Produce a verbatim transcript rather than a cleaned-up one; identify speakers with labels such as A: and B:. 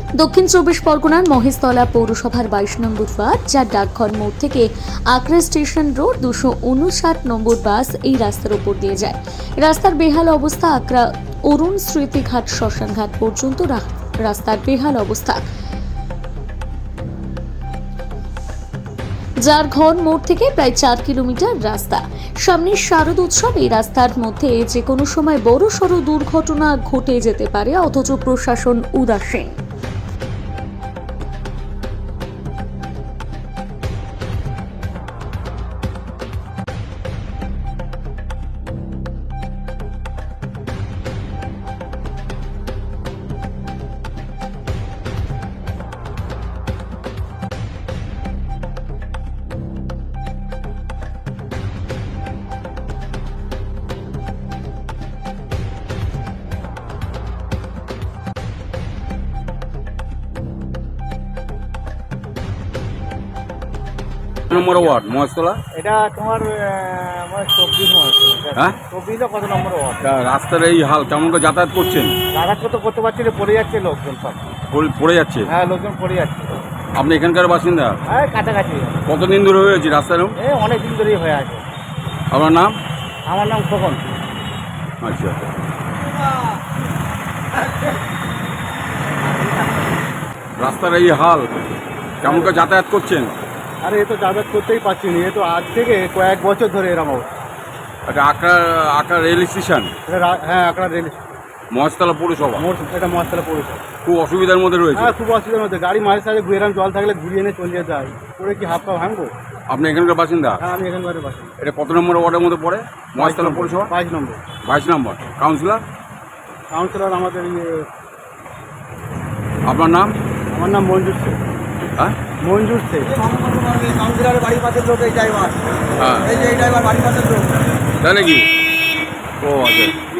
A: দক্ষিণ চব্বিশ পরগনার মহেশতলা পৌরসভার বাইশ নম্বর ওয়ার্ড, যার ডাকঘর মোড় থেকে আকরা স্টেশন রোড দুশো উনষাট নম্বর বাস এই রাস্তার উপর দিয়ে যায়। রাস্তার বেহাল অবস্থা। আকরা অরুণ স্মৃতিঘাট শ্মশানঘাট পর্যন্ত রা- রাস্তার বেহাল অবস্থা। যার ঘর মোড় থেকে প্রায় চার কিলোমিটার রাস্তা। সামনে শারদ উৎসব। এই রাস্তার মধ্যে যে কোনো সময় বড় সড় দুর্ঘটনা ঘটে যেতে পারে, অথচ প্রশাসন উদাসীন।
B: Number ward Maheshtala.
C: এটা তোমার আমার চব্বিশ মাস
B: হ্যাঁ?
C: চব্বিশে কত নম্বর ওয়ার্ড?
B: তা রাস্তার এই হাল, কেমন করে যাতায়াত করছেন?
C: রাখাত তো করতে পারছি না, পড়ে যাচ্ছে লোকজন সব।
B: পড়ে- পড়ে যাচ্ছে।
C: হ্যাঁ, লোকজন পড়ে যাচ্ছে।
B: আপনি এখানকার বাসিন্দা?
C: হ্যাঁ, কাছাকাছি।
B: কতদিন ধরে হয়েছে রাস্তার?
C: এই অনেক দিন ধরেই হয়ে আছে।
B: আপনার নাম?
C: আমার নাম খোকন।
B: আচ্ছা, রাস্তার এই হাল, কেমন করে যাতায়াত করছেন?
C: আরে এ তো যাতায়াত করতেই পারছি না, এ তো আজ থেকে কয়েক বছর ধরে এরকম অবস্থা।
B: এটা আকরা আকরা রেল স্টেশন,
C: এটা রা- হ্যাঁ, আকরা রেল
B: মহেশতলা পৌরসভা।
C: মোড়, এটা মহাস্তলা পৌরসভা।
B: খুব অসুবিধার মধ্যে রয়েছে।
C: হ্যাঁ, খুব অসুবিধার মধ্যে। গাড়ি মাঝে সাঝে ঘুরে এরকম জল থাকলে ঘুরিয়ে এনে চলে যেতে হয়। করে কি হাত পা ভাঙবো?
B: আপনি এখানকার বাসিন্দা?
C: হ্যাঁ, আমি এখানকার বাসি।
B: এটা কত নম্বর ওয়ার্ডের মধ্যে পড়ে? মহেশতলা পৌরসভা
C: বাইশ নম্বর।
B: বাইশ নম্বর। কাউন্সিলর?
C: কাউন্সিলর আমাদের ইয়ে,
B: আপনার নাম?
C: আমার নাম মঞ্জুর শেখ।
B: হ্যাঁ
C: মঞ্জুর শেখ। কাউন্সিলরের বাড়ির পাশের লোক এই ড্রাইভার।
B: হ্যাঁ,
C: এই যে এই ড্রাইভার বাড়ির পাশের লোক।
B: তাই নাকি? ও আচ্ছা।